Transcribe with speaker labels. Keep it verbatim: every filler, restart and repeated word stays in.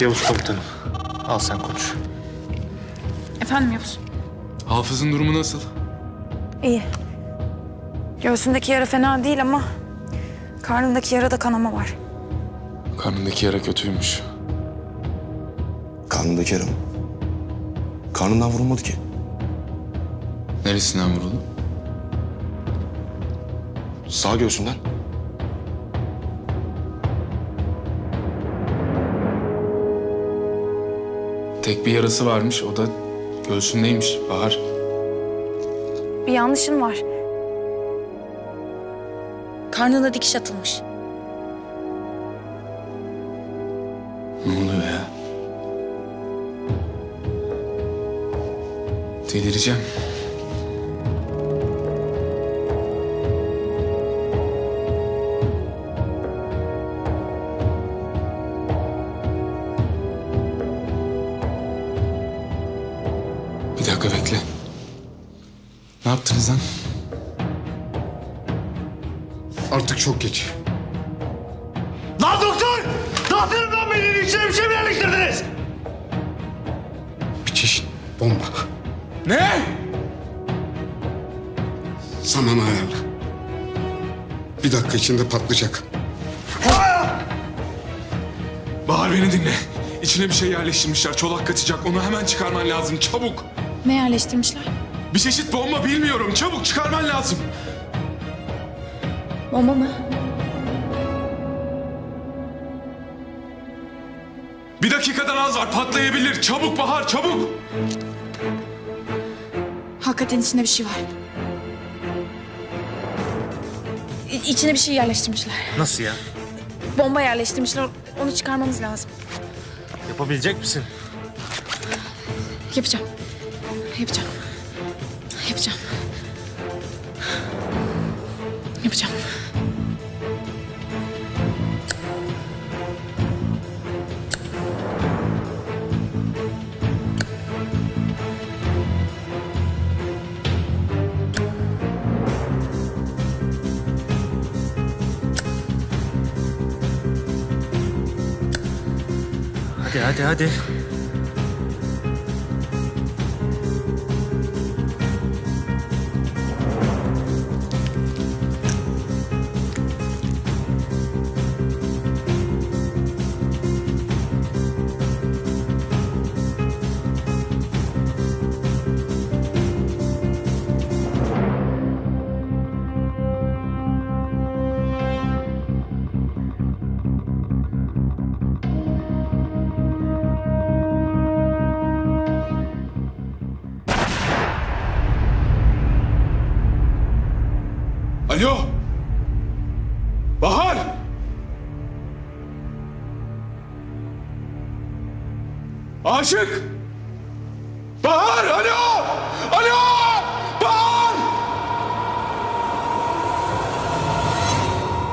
Speaker 1: Yavuz komutanım. Al sen konuş.
Speaker 2: Efendim Yavuz?
Speaker 3: Hafız'ın durumu nasıl?
Speaker 2: İyi. Göğsündeki yara fena değil ama karnındaki yarada kanama var.
Speaker 3: Karnındaki yara kötüymüş.
Speaker 4: Karnındaki yara mı? Karnından vurulmadı ki.
Speaker 3: Neresinden vuruldu?
Speaker 4: Sağ göğsünden.
Speaker 3: Tek bir yarası varmış, o da göğsündeymiş Bahar.
Speaker 2: Bir yanlışın var. Karnına dikiş atılmış.
Speaker 3: Ne oluyor ya? Delireceğim. Bir dakika bekle. Ne yaptınız lan?
Speaker 5: Artık çok geç. Lan doktor! Ne yapıyorsun lan benim içine bir şey mi yerleştirdiniz? Bir çeşit bomba.
Speaker 3: Ne?
Speaker 5: Zaman ayarla. Bir dakika içinde patlayacak.
Speaker 3: Bahar beni dinle. İçine bir şey yerleştirmişler. Çolak kaçacak. Onu hemen çıkarman lazım. Çabuk.
Speaker 2: Ne yerleştirmişler?
Speaker 3: Bir çeşit bomba bilmiyorum. Çabuk çıkarman lazım.
Speaker 2: Bomba mı?
Speaker 3: Bir dakikadan az var. Patlayabilir. Çabuk Bahar, çabuk.
Speaker 2: Hakikaten içinde bir şey var. İ- İçine bir şey yerleştirmişler.
Speaker 1: Nasıl ya?
Speaker 2: Bomba yerleştirmişler. Onu çıkarmamız lazım.
Speaker 1: Yapabilecek misin?
Speaker 2: Yapacağım. Yapacağım. Yapacağım. Yapacağım.
Speaker 1: Hadi hadi hadi.
Speaker 3: Alo. Bahar. Aşık.